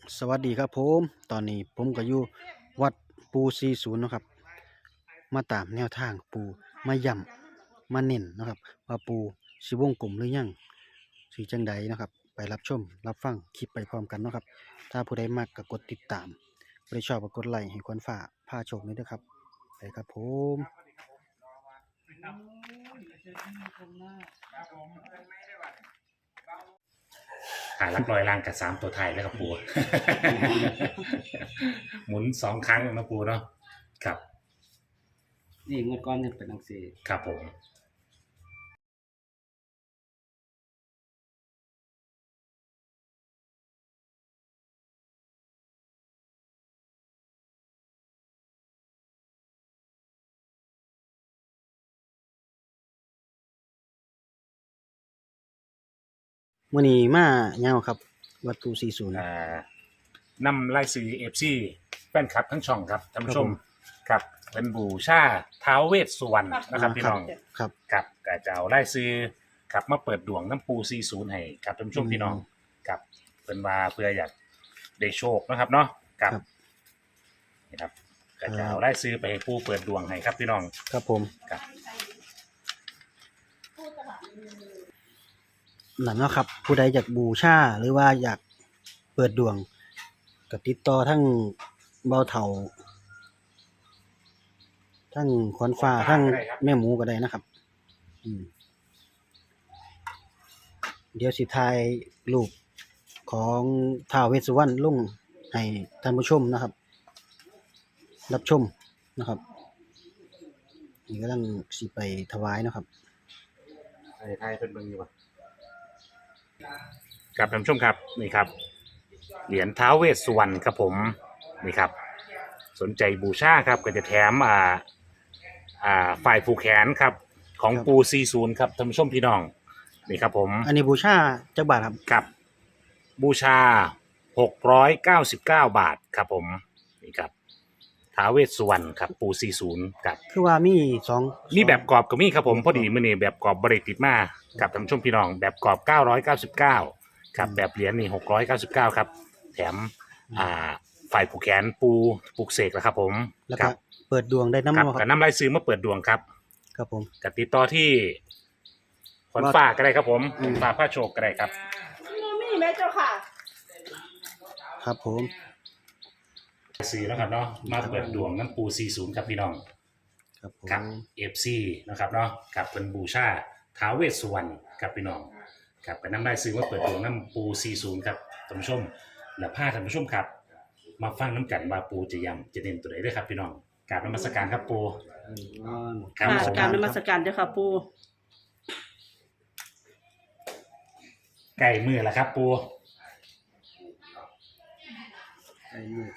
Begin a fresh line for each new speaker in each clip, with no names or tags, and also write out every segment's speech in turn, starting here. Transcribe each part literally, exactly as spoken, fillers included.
สวัสดีครับผมตอนนี้ผมก็อยู่วัดปูสี่สิบเนาะครับมาตามแนวทางปูมาย่ำมาเน้นเนาะครับว่าปูสิวงกลมหรือยังสิจังใดเนาะครับไปรับชมรับฟังคลิปไปพร้อมกันเนาะครับถ้าผู้ใดมักก็กดติดตามผู้ใดชอบก็กดไลค์ให้ควรฝ่าพาโชคนี้ด้วยครับไปครับผม
หาลักลอยล่างกับสามตัวไทยแล้วครับปู หมุนสองครั้งนะปูเนาะครับ
นี่งวดก้อนเนี่ยเป็นหนังสือ
ครับผม
มื้อนี้มาเงาครับวัดปูสี่สิบ
อ่านำไล่ซื้อเอฟซีแฟนคลับทั้งช่องครับท่านผู้ชมครับเป็นบูชาท้าวเวสสุวรรณนะครับพี่น้อง
ครับ
ครับก็จะเอาไล่ซื้อครับมาเปิดดวงน้ำปูสี่สิบให้ครับท่านผู้ชมพี่น้องครับเป็นว่าเพื่ออยากได้โชคนะครับเนาะครับนี่ครับก็จะเอาไล่ซื้อไปให้ปูเปิดดวงให้ครับพี่น้อง
ครับผม
ครับ
นั่นเนาะครับผู้ใดอยากบูชาหรือว่าอยากเปิดดวงก็ติดต่อทั้งเบาเถาทั้งขวัญฟ้าทั้งแม่หมูก็ได้นะครับอืมเดี๋ยวสิทายรูปของท้าวเวสสุวรรณลงให้ท่านผู้ชมนะครับ รับชมนะครับนี่ก็ต้องสิไปถวายนะครับ
ไทยไทยเป็นเมืองอยู่ป่ะครับท่านผู้ชมครับนี่ครับเหรียญท้าวเวสสุวรรณครับผมนี่ครับสนใจบูชาครับก็จะแถมอ่าอ่าฝ่ายผูกแขนครับของปูซีศูนย์ครับท่านผู้ชมพี่น้องนี่ครับผม
อันนี้บูชาจักบาทครับ
ครับบูชาหกร้อยเก้าสิบเก้าบาทครับผมนี่ครับท้าวเวสสุวรรณครับปูซีศูนย์ครับ
คือว่ามีสอง
มีแบบกรอบก็มีครับผมพอดีมื้อนี้แบบกรอบบริติดมากับท่านผู้ชมพี่น้องแบบกรอบเก้าร้อยเก้าสิบเก้าครับแบบเหรียญนี่หกร้อยเก้าสิบเก้าครับแถมอ่าฝ่ายผูกแขนปูปลูกเสกแล้วครับผม
แล้วก็เปิดดวงได้น้ำ
ครับ
ค
กั
รั
บบ น้ำลายซื้อมาเปิดดวงครับ
ครับผม
กับติดต่อที่ขนฟ้าก็ได้ครับผมขนฟ้าผ้าโชคก็ได้ครับ
มีแม่เจ้าค่ะ
ครับผม
ซื้อแล้วครับเนาะมาเปิดดวงน้ำปูสี่สิบครับพี่น้อง
ครับผม
ครับ เอฟ ซี นะครับเนาะกับเป็นบูชาท้าวเวสสุวรรณครับพี่น้องครับกับน้ำลายซื้อมาเปิดดวงน้ำปูสี่สิบครับท่านผู้ชมและผ้าท่านผู้ชมครับมาฟังน้ำกันว่าปูจะยำจะเน้นตัวไหนด้วยครับพี่น้องกราบนมัสการครับปู
ครับการนมัสการเจ้าค่ะปู
ไก่มือละครับปู
ไอ้นี่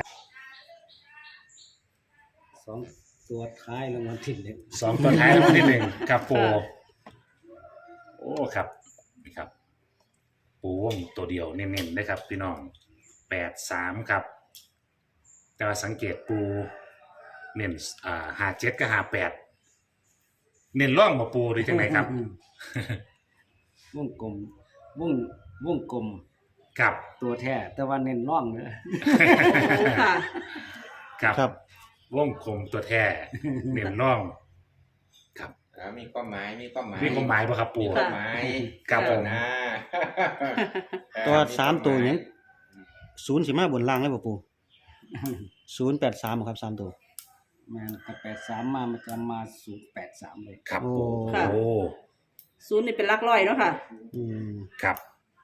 สองตัวท้ายรางวัลที่หนึ่ง
สองตัวท้ายรางวัลที่หนึ่งครับปูโอ้ครับนี่ครับปูวงตัวเดียวเน้นๆได้ครับพี่น้องแปดสามครับแต่ว่าสังเกตปูเน้นอ่าหาเจ็ดก็หาแปดเน้นร่องมาปูหรือจังไหนครับ
วงกลมวงวงกลม
ครับ
ตัวแท้แต่ว่าเน้นร่องเนอะ
ค่ะ
ครับครับวงกลมตัวแท้เน้นร่องครับ
มีความหมายมีความหมาย
มีความหมายป่ะครับปู
มีความหมาย
ครับผม
นะ
ตัวสามตัวนี้ศูนย์สิมาบนล่างเลยป่ะปูศูนย์แปดสามครับสามตัว
มันแต่แปดสามมามันจะมาศูนย์แปดสามเลย
ครับโอ้
ศูนย์นี่เป็นหลักร้อยเนาะค่ะ
อืม
ครับ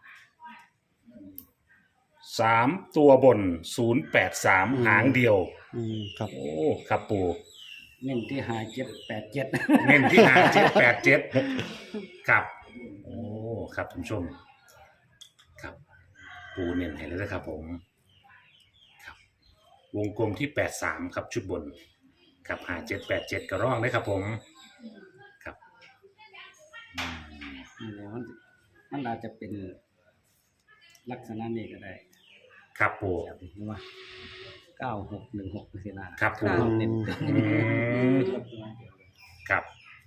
สามตัวบนศูนย์แปดสามหางเดียว
อืมครับ
โอ้ครับปู
เน้นที่หาเจ็ดแปดเจ็ด
เน้นที่หาเจ็ดแปดเจ็ดครับโอ้ครับท่านผู้ชมครับปูเน้นให้แล้วนะครับผมครับวงกลมที่แปดสามครับชุดบนครับหาเจ็ดแปดเจ็ดกระร่องเลยครับผมครับ
นี่แหละมันมันอาจจะเป็นลักษณะนี้ก็ได้
ครับปู
เห็นไหมเก้าหกหนึ่งหกเสียนะครับ
ปู
เน้น
ครับ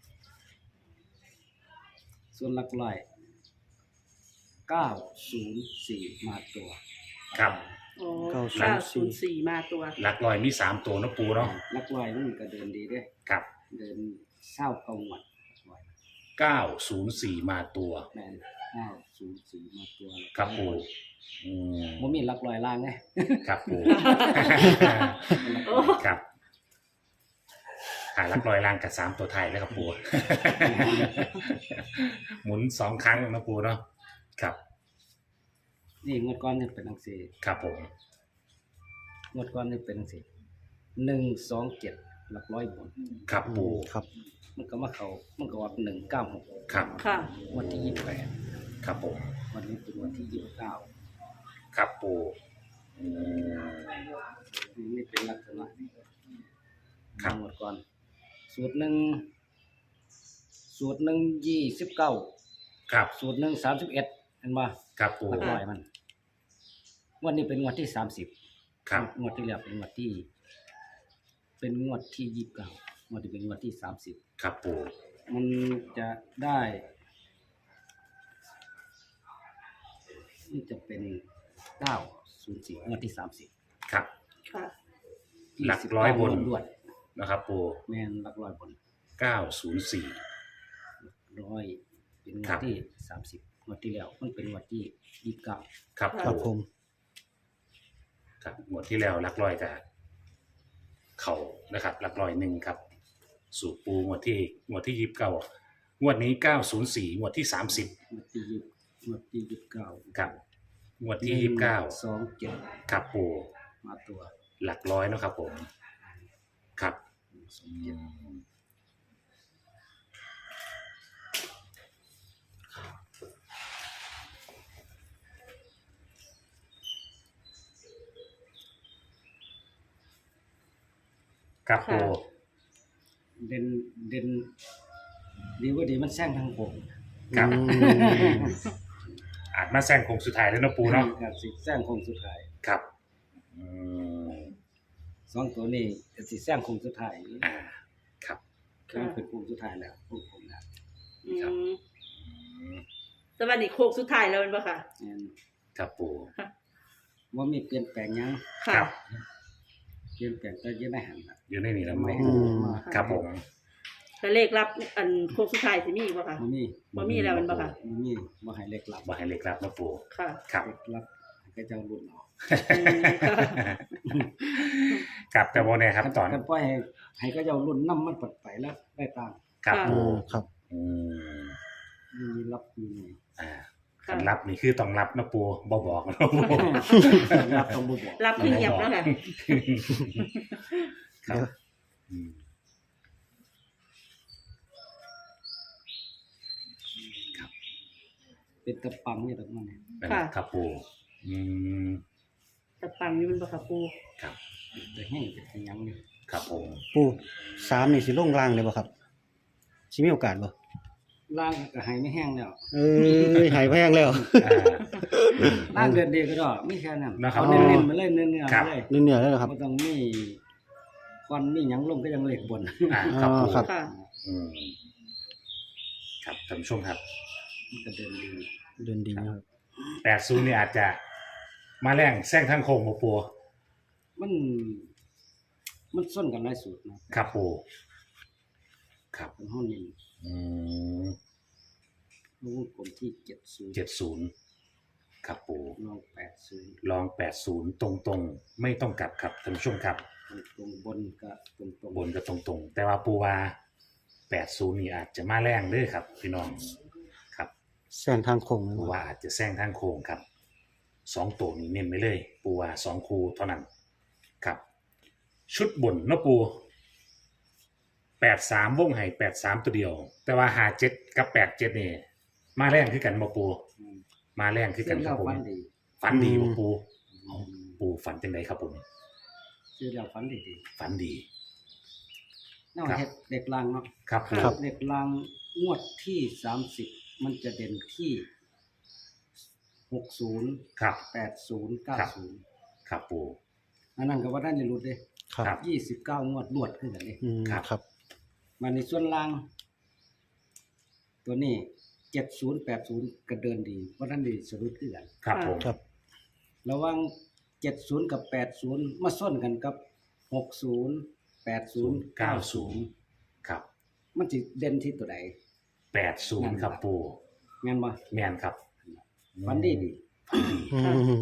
ส่วนหลักร้อยเก้าศูนย์สี่มาตัว
ครับ
โอ้
เก้า
เก้า
ศู
ศู
น
น
ย์
ย์
สี่
สี่มาตัว
หลักร้อยมีสามตัวเนาะปูเนาะ
ลักลอยมันก็เดินดีเด้
ครับ
เดินเศร้าเกาหวัดลอย
เก้าศูนย์สี่มาตัว
แมนเก้าศูนย์สี่มาตัว
ครับปูอืม
บ่มีลักลอยล่างไง
ครับปู
โอ้
ครับหาหลักร้อยล่างกับสามตัวไทายแล้วครับปู หมุนสองครั้งนะปูเนาะครับ
นี่งวดก้อนนี่เป็นจังซี่
ครับผม
งวดก้อนนี่เป็นจังซี่หนึ่งสองเจ็ดหลักร้อยบน
ครับปู
ครับ
มันก็มาเข้ามันก็ออกหนึ่งเก้าหก
ครับ
ค่ะ
วันที่ยี่สิบแปด
ครับผม
วันนี้เป็นวันที่ยี่สิบเก้า
ครับปูอืม
นี่เป็นลักษณะ
ครับ
งวดก่อนสูตรหนึ่งสูตรหนึ่งยี่สิบเก้า
ครับ
สูตรหนึ่งสามสิบเอ็ดเห็นป่ะ
ครับปู
หลักร้อยมันงวันนี้เป็นงวดที่สามสิบ
ครับ
งวดที่แล้วเป็นงวดที่ เป็นงวดที่ยี่สิบเก้างวดที่เป็นงวดที่สามสิบ
ครับปู
มันจะได้นี่จะเป็นเก้าศูนย์สี่งวดที่สามสิบ
ครับ
ค่ะ
หลักร้อยบน
รวด
นะครับปู
แมนหลักร้อยบน
เก้าศูนย์สี่
ร้อยเป็นง
ครั
วด
บ
ที่สามสิบงวดที่แล้วมันเป็นงวดที่ยี่สิบเก้า
ครับ
ครับ
ปู
ผม
ครับหมวดที่แล้วหลักร้อยกับเข่านะครับหลักร้อยหนึ่งครับ สู่ปูหมวดที่หมวดที่ยิบเก้างวดนี้เก้าศูนย์สี่หมวดที่สามสิบ
งวดที่ยี่สิบงวดที่ยี่สิบเก้า
ครับหมวดที่ยี่สิบเก้า
สองเจ็ด
ครับปู
มาตัว
หลักร้อยเนาะครับผมครับ
สองเจ็ด
ครับปู
เด่นเด่นดีว่าดีมันแซงทางผม
ครับ
อืม
อาจมาแซงโค้งสุดท้ายแล้วเนาะปูเนาะ
ครับสิแซงคงสุดท้าย
ครับอืม
สองตัวนี้ก็สิแซงคงสุดท้าย
อ่าครับ
คือมันเป็นคงสุดท้ายแล้วพวกผมนะ
อื
ครับ
ม
อืม
แต่วันนี้โค้งสุดท้ายแล้วเป็นปะค่ะ
แม่น
ครับปู
ว่ามีเปลี่ยนแปลงหยัง
ครั
ค่ะ
บ
เปลี่ยนแปลงก็ยังได้หันน่ะ
อยู่ในนี้แล้ว
ไม่
ปู
หันมา
ครับผม
แต่เลขรับอันโค้งสุดท้ายสิมีอีกปะค่ะ
บ่มี
บ่มีแล้วเป็นปะค่ะ
บ่มีบ่ให้เล็กหลับ
บ่ให้เล็กรับเนาะปู
ค่ะ
ครับ
เล็กหลับให้ก็เจ้ารุ่นเอา
อืมค่ะ
ครับแต่โมเนี่ยครับตอน
กันปล่อยให้ให้ก็เจ้ารุ่นนำมันปัดไปแล้วได้ตาม
ครับ
โอ้
ปู
ครับ
อืม
มีรับมีไง
อ่า
ค่ะ
คันรับนี่คือต้องรับนะปูบ่บอกนะปู
รับต้องบ่บอก
รับขึ้นเงียบแล้วค่ะ
ครับอืม
เป็นตะปังนี่ตรงนั้นเนี่ย
นั่น
ค่ะ
ครับปูอืม
แต่ปังนี่เป็นปะค่ะปู
ครับ
แต่แห้งเป็นหยังนี่
ครับผม
ปูสามนี่สิลงล่างเลยบ่ครับสิมีโอกาสบ่
ล่างก็ให้ไม่แห้งแล้ว
เอ้ยหายแพงแล้ว
อ่า
ล่างเดือนเดียวก็ได้มีแค่นั้น
นะครับ
เอาเน้นๆมาเลยเนื้อๆ
ครั
มา
บ
เลย
นี่เหนือแล้วเหรอครับ
บ่ต้องมีควันมีหยังลงก็ยังเหล็กบน
อ่าครับปู
อ๋อครับ
ค่ะ
อืมครับท่านผู้ชมครับ
มันก็เดินดี
เดินดีนะครับ
แปดศูนย์นี่อาจจะมาแรงแซงทางโค้งบ่ปู
มัน มันส้นกันหลายสูตรนะครับ
ปูครับ
เป็นห้องนี้
อืม
ลูกกลมที่เจ็ดศูนย์
เจ็ดศูนย์ครับปู
ลองแปดศูนย์
ลองแปดศูนย์ตรงๆ ไม่ต้องกลับครับท่านผู้ชมครับ
ตรงบนก็ตรงตรง
บนก็ตรงๆ แต่ว่าปูว่าแปดศูนย์นี่อาจจะมาแรงเด้อครับ พี่น้องครับ
แซงทางโค้งเลย
ปู
บ่
ว่าอาจจะแซงทางโค้งครับสองตัวนี้เน้นไปเลย ปูว่าสองคูเท่านั้นครับ ชุดบนเนาะปูแปดสามวงไห้แปดสามตัวเดียว แต่ว่าหาเจ็ดกับแปดเจ็ดนี่มาแรงคือกันบ่ปู
อืม
มาแรงคือ
ซื้
กั
อน
ค
แล้
รั
ว
บผม
ฝันดี
ฝันดีบ่ปูเอาปูฝันจังไดครับผม
ซื้อแล้วฝันดีดี
ฝันดี
นอก
ครับ
เฮ็ดเด็กลางเนาะ
ครับปู
ครับ
เด็กลางงวดที่สามสิบมันจะเด่นที่หกศูนย์
ครับ
แปดศูนย์เก้า
ครับ
ศูนย์
ครับปู
อันนั้นก็ว่าได้ในรุดเด้
ครับ
ครับ
ยี่สิบเก้างวดรวดขึ้นกันเด้
อืม
ครับ
ครับ
มาในส่วนล่าง ตัวนี้เจ็ดศูนย์แปดศูนย์ก็เดินดีเพราะนั้นดีสรุปขึ้นกัน
ครับผม
ครับ
ระหว่างเจ็ดศูนย์กับแปดศูนย์มาส้นกันกับหกศูนย์แปดศูนย์เก้าศูนย์
ครับ
มันสิเด่นที่ตัวใด
แปดศูนย์ครับปู
แม่นบ่
แม่นครับ
ฝันดีดี
อืม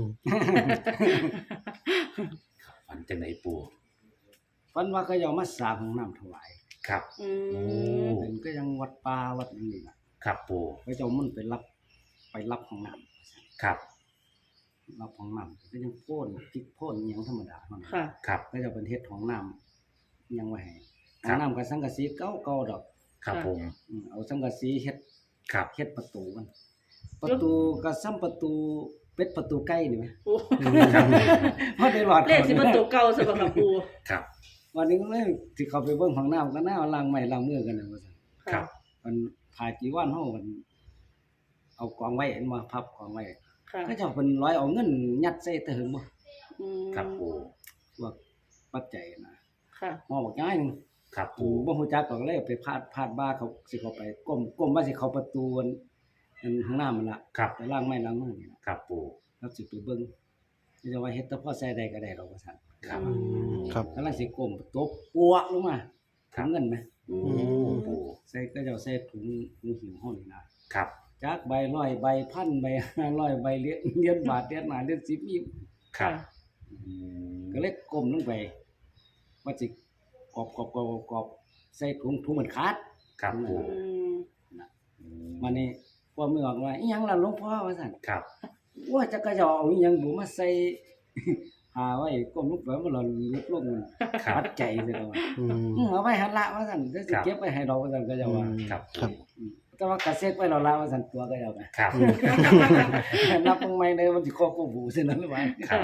ฝันจังไหนปู
ฝันว่าเขาเอามาสร้างห้องน้ำถวาย
ครับ
อื
โอ้
ม
เป็นก็ยังวัดป่าวัดนั่นนี่ล่ะ
ครับปู
เขาเจ้ามันไปรับไปรับห้องน้ำ
ครับ
รับห้องน้ำก็ยังโพ่นพริกโพ่นอิหยังธรรมดาเท่านั้น
ค่ะ
ครับ
เขาเจ้าเป็นเฮ็ดห้องน้ำอิหยังไว้ให้
ครั
ห้อบ งน้ำกับสังกะสีเก่าๆดอก
ครับผม
อืมเอาสังกะสีเฮ็ด
ครับ
เฮ็ดประตูมัน ประตูก็ซ้ำประตูเป็ดประตูไก่นี่แหม
โอ้
ครับ
พอได้หลอด
เลขสิมันตัวเก่าสำหรับค่ะปู
ครับ
วันนี้ก็เลยสิเข้าไปเบิ่งห้องน้ำก็น่าล้างไม้ล้างมือกันน่ะว่าซั่น
ครับ
มันผ่าจีวรเฮามันเอากองไว้เห็นบ่พับกองไว้
ค่ะ
เขาเจ้าเพิ่นร้อยเอาเงินยัดใส่แต่หึงบ่
อืม
ครับปู
พวกปัจจัยนะ
ค่ะ
หม้อบักย้ายหนึง
ครับ
ปู
ปู
บ่ฮู้จักก็เลยไปพาดพาดบ้าเขาสิเข้าไปก้มก้มว่าสิเข้าประตูอันอันห้องน้ำมันล่ะ
ครับ
ไปล้างไม้ล้างมือนี่ล่ะ
ครับปู
แล้วสิไปเบิ่งสิจะว่าเฮ็ดแต่พอใส่ได้ก็ได้ดอกว่าซั่น
ครับ
อืม
ครับ
กำลังสิก้มตบปัวลงมา
ครั
ถุ
บ
งเงินไหม
อื
โอ้
ม
ปู
ใส่ก็เจ้าใส่ถุงถุงหิวเฮานี่นะครับ จักใบร้อยใบพันใบห้าร้อยใบเหรียญเหรียญบาทเหรียญหน้าเหรียญสิบมี
ครับ
ค่ะ
อืม
ก็เลยก้มลงไปว่าสิกอบกอบกอบกอบใส่ถุงถุงมันขาด
ครับปู
อืม
อืม
มานี่พอมือออกว่าอีหยังล่ะหลวงพ่อว่าซั่น
ครับ
ว่าจะกระเจาเอาอีหยังบุมาใส่ หาไว้ก้มลงไปมันหล่นลุกลงมัน
ครับ
ปัดใจซะแล้วว่า
อืม
อือเอาไว้หันละว่าซั่นเดี๋ยวสิเก็บไว้ให้เราว่าซั่นก็จะว่า
ครับ
ครับ
อืมแต่ว่ากระเซ็กไว้เราละว่าซั่นตัวก็จะว่า
ครับ
นับเบิ่งใหม่ได้มันสิครอบกูบูซื่อนั้นหรือว่า
ครับ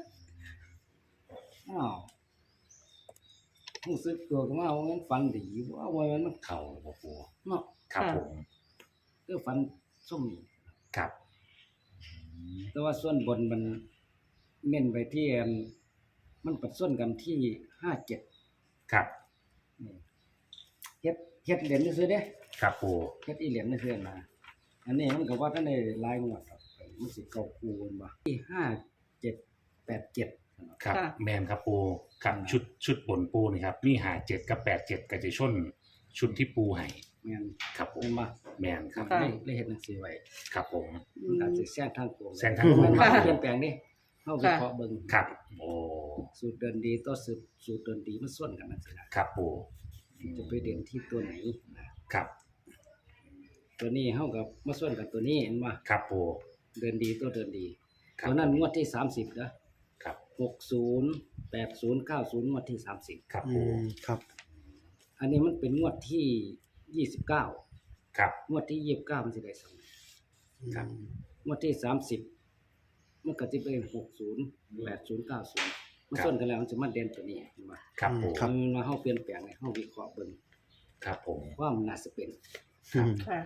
อ้าวรู้สึกตัวก็ว่ามันฝันดีว่าว่ามันมัน
เข่าบ่ปู
เนาะ
ครับ
ค่ะ
ผม
คือฝันส้มนี่
ครับอืม
แต่ว่าส่วนบนมันเน้นไปที่อันมันปัดส่วนกันที่ห้าเจ็ด
ครับ
นี่เฮ็ดเฮ็ดเหรียญซื่อๆเด้
ครับปู
เฮ็ดอีเหรียญซื่อๆนะอันนี้มันก็ว่าท่านได้หลายงวดครับมันสิเก่าคูณบ่ที่ห้า เจ็ด แปด เจ็ด
ครับ
ค่ะ
แมนครับปูครับ
อืม
ชุดชุดบนปูนี่ครับนี่หาเจ็ดกับแปดเจ็ดกับจะชนชุดที่ปูให้
แม่น
ครับผม
แม่นบ่
แมนครับ
ค่ะ
เลยเลยเฮ็ดหนังสือไว้
ครับผม
มันอาจสิแซงทางโกง
แซงทางโค้ง
มันมา
ค่ะ
เปลี่ยนแปลงนี่เฮาวิเคราะห์เบิ่ง
ครับโอ้
สูตรเดินดีต่อสูตรสูตรเดินดีมันส่วนกันจังซี่นะครับ
ปู
จะไปเด่นที่ตัวไหนนะครับ ตัวนี้เฮากับมาส่วนกับตัวนี้เห็นบ่
ครับปู
เดินดีตัวเดินดี
ครับ
ตัวนั้นงวดที่สามสิบนะครับ หกศูนย์ แปดศูนย์ เก้าศูนย์งวดที่สามสิบ
ครับ
อื
ปู
มครับ
อันนี้มันเป็นงวดที่ยี่สิบเก้า
ครับ
งวดที่ยี่สิบเก้ามันสิได้สอง
ครับ
งวดที่สามสิบมันก็สิเป็นหกศูนย์ แปดศูนย์ เก้าศูนย์มันส่วนกันแล้วมันจะมาเด่นตัวนี้เห็นบ่
ครับปู
ครับ
มันมาเฮาเปลี่ยนแปลงให้เฮาวิเคราะห์เบิ่ง
ครับผม
ว่ามันน่าสิเป็น
อืม
ค่ะ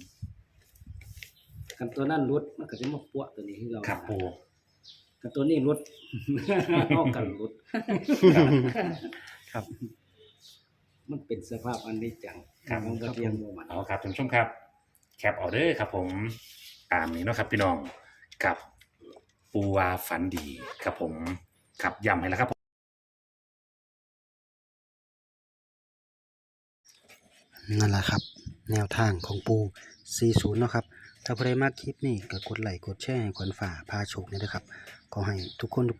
กันตัวนั้นรุดมันก็สิมาปัวตัวนี้ให้เรา
ครับปู
กันตัวนี้รุด เฮากันรุด
ค่ะ
ครับ
มันเป็นสภาพอันนี้จัง
ครับ
มันก็เรียนบ่มัน
เอาครับท่านผู้ชมครับ แคปออเดอร์ครับผมตามนี้เนาะครับพี่น้องกับปูวาฝันดีครับผมครับย้ำให้แล้วครับ
นั่นแหละครับ แนวทางของปูสี่สิบเนาะครับ ถ้าใครมากคลิปนี้ก็กดไลค์กดแชร์ให้ขวัญฝ่าพาโชคนี่นะครับ ขอให้ทุกคน